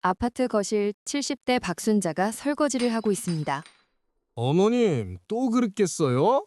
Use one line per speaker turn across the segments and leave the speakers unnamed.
아파트 거실 70대 박순자가 설거지를 하고 있습니다.
어머님, 또 그랬겠어요?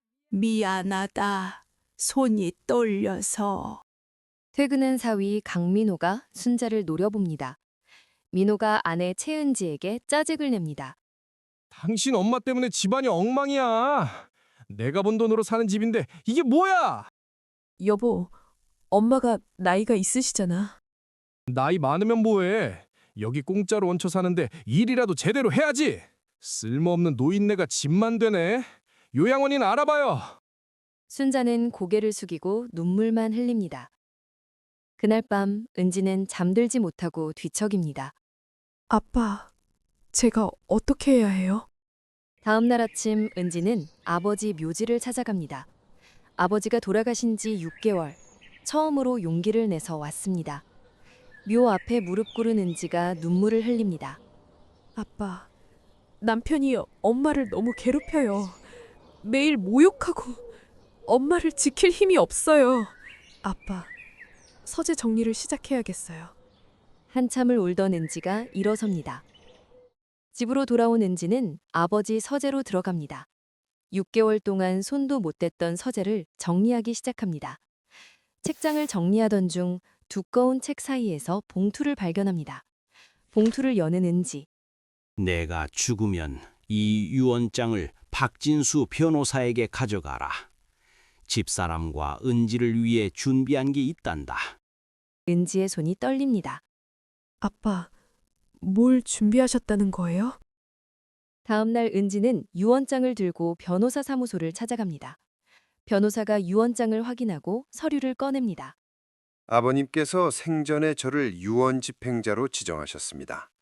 미안하다. 손이 떨려서.
퇴근한 사위 강민호가 순자를 노려봅니다. 민호가 아내 채은지에게 짜증을 냅니다.
당신 엄마 때문에 집안이 엉망이야. 내가 번 돈으로 사는 집인데 이게 뭐야?
여보, 엄마가 나이가 있으시잖아.
나이 많으면 뭐해? 여기 공짜로 얹혀 사는데 일이라도 제대로 해야지. 쓸모없는 노인네가 집만 되네. 요양원인 알아봐요.
순자는 고개를 숙이고 눈물만 흘립니다. 그날 밤 은지는 잠들지 못하고 뒤척입니다.
아빠, 제가 어떻게 해야 해요?
다음 날 아침 은지는 아버지 묘지를 찾아갑니다. 아버지가 돌아가신 지 6개월, 처음으로 용기를 내서 왔습니다. 묘 앞에 무릎 꿇은 은지가 눈물을 흘립니다.
아빠, 남편이 엄마를 너무 괴롭혀요. 매일 모욕하고 엄마를 지킬 힘이 없어요. 아빠, 서재 정리를 시작해야겠어요.
한참을 울던 은지가 일어섭니다. 집으로 돌아온 은지는 아버지 서재로 들어갑니다. 6개월 동안 손도 못 댔던 서재를 정리하기 시작합니다. 책장을 정리하던 중 두꺼운 책 사이에서 봉투를 발견합니다. 봉투를 여는 은지.
내가 죽으면 이 유언장을 박진수 변호사에게 가져가라. 집사람과 은지를 위해 준비한 게 있단다.
은지의 손이 떨립니다.
아빠, 뭘 준비하셨다는 거예요?
다음 날 은지는 유언장을 들고 변호사 사무소를 찾아갑니다. 변호사가 유언장을 확인하고 서류를 꺼냅니다.
아버님께서 생전에 저를 유언 집행자로 지정하셨습니다.